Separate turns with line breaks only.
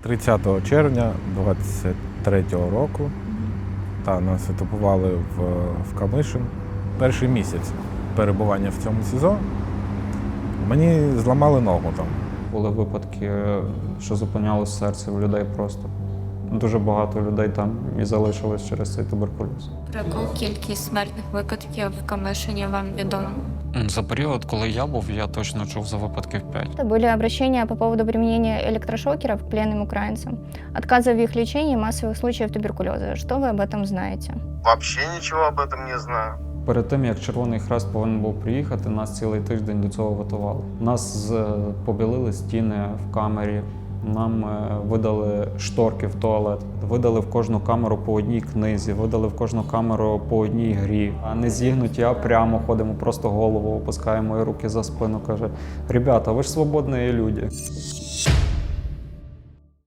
30 червня 23-го року нас етапували в Камишин. Перший місяць перебування в цьому СІЗО мені зламали ногу там.
Були випадки, що зупиняло серце у людей просто. Дуже багато людей там і залишилось через цей туберкульоз.
Про яку кількість смертних випадків в Камишині вам відомо?
За період, коли я був, я точно чув за випадків 5.
Были обращения по поводу применения электрошокеров к пленным украинцам, отказа в их лечении, массовых случаев туберкулеза. Что вы об этом знаете?
Вообще ничего об этом не знаю.
Перед тим, як Червоний Хрест повинен був приїхати, нас цілий тиждень до цього готували. Нас побілили стіни в камері, нам видали шторки в туалет, видали в кожну камеру по одній книзі, видали в кожну камеру по одній грі. А не зігнуті, а прямо ходимо, просто голову опускаємо і руки за спину. Каже: «Ребята, ви ж свободні люди».